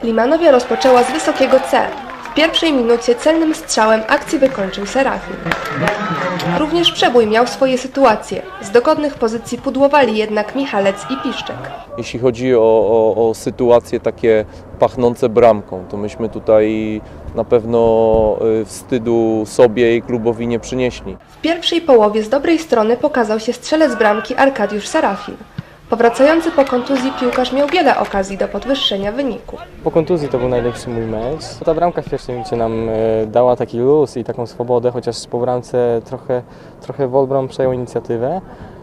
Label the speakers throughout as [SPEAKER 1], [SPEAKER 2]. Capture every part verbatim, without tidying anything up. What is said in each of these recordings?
[SPEAKER 1] Limanowia rozpoczęła z wysokiego C. W pierwszej minucie celnym strzałem akcji wykończył Serafin. Również Przebój miał swoje sytuacje. Z dogodnych pozycji pudłowali jednak Michalec i Piszczek.
[SPEAKER 2] Jeśli chodzi o, o, o sytuacje takie pachnące bramką, to myśmy tutaj na pewno wstydu sobie i klubowi nie przynieśli.
[SPEAKER 1] W pierwszej połowie z dobrej strony pokazał się strzelec bramki Arkadiusz Serafin. Powracający po kontuzji piłkarz miał wiele okazji do podwyższenia wyniku.
[SPEAKER 3] Po kontuzji to był najlepszy mój mecz. Ta bramka w pierwszej minucie nam dała taki luz i taką swobodę, chociaż po bramce trochę, trochę Wolbrom przejął inicjatywę.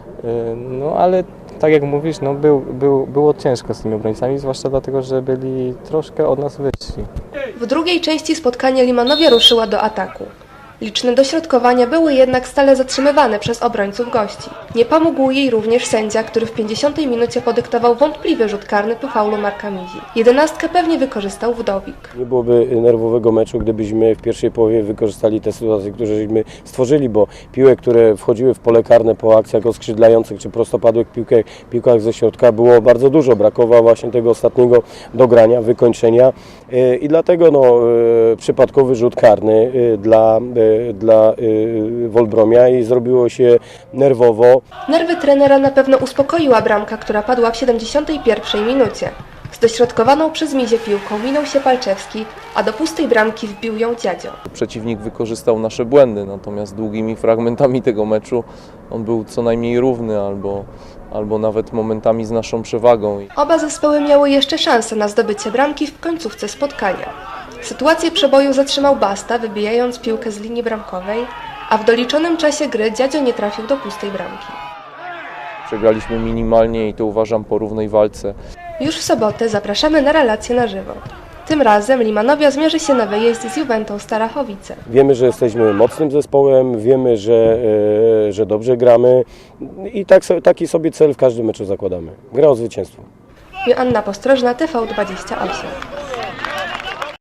[SPEAKER 3] No ale tak jak mówisz, no, był, był, było ciężko z tymi obrońcami, zwłaszcza dlatego, że byli troszkę od nas wyżsi.
[SPEAKER 1] W drugiej części spotkania Limanowia ruszyła do ataku. Liczne dośrodkowania były jednak stale zatrzymywane przez obrońców gości. Nie pomógł jej również sędzia, który w pięćdziesiątej minucie podyktował wątpliwy rzut karny po faulu Marka Mizi. Jedenastkę pewnie wykorzystał Wdowik.
[SPEAKER 4] Nie byłoby nerwowego meczu, gdybyśmy w pierwszej połowie wykorzystali te sytuacje, które żeśmy stworzyli, bo piłek, które wchodziły w pole karne po akcjach oskrzydlających czy prostopadłych piłkach, piłkach ze środka było bardzo dużo. Brakowało właśnie tego ostatniego dogrania, wykończenia i dlatego no, przypadkowy rzut karny dla dla y, Wolbromia i zrobiło się nerwowo.
[SPEAKER 1] Nerwy trenera na pewno uspokoiła bramka, która padła w siedemdziesiątej pierwszej minucie. Z dośrodkowaną przez Mizię piłką minął się Palczewski, a do pustej bramki wbił ją Dziadzio.
[SPEAKER 2] Przeciwnik wykorzystał nasze błędy, natomiast długimi fragmentami tego meczu on był co najmniej równy albo, albo nawet momentami z naszą przewagą.
[SPEAKER 1] Oba zespoły miały jeszcze szansę na zdobycie bramki w końcówce spotkania. Sytuację przeboju zatrzymał Basta, wybijając piłkę z linii bramkowej, a w doliczonym czasie gry Dziadzio nie trafił do pustej bramki.
[SPEAKER 2] Przegraliśmy minimalnie i to uważam po równej walce.
[SPEAKER 1] Już w sobotę zapraszamy na relacje na żywo. Tym razem Limanowia zmierzy się na wyjeździe z Juventą Starachowice.
[SPEAKER 4] Wiemy, że jesteśmy mocnym zespołem, wiemy, że, e, że dobrze gramy i tak, taki sobie cel w każdym meczu zakładamy. Gra o zwycięstwo.
[SPEAKER 1] Joanna Postrożna, T V dwadzieścia osiem.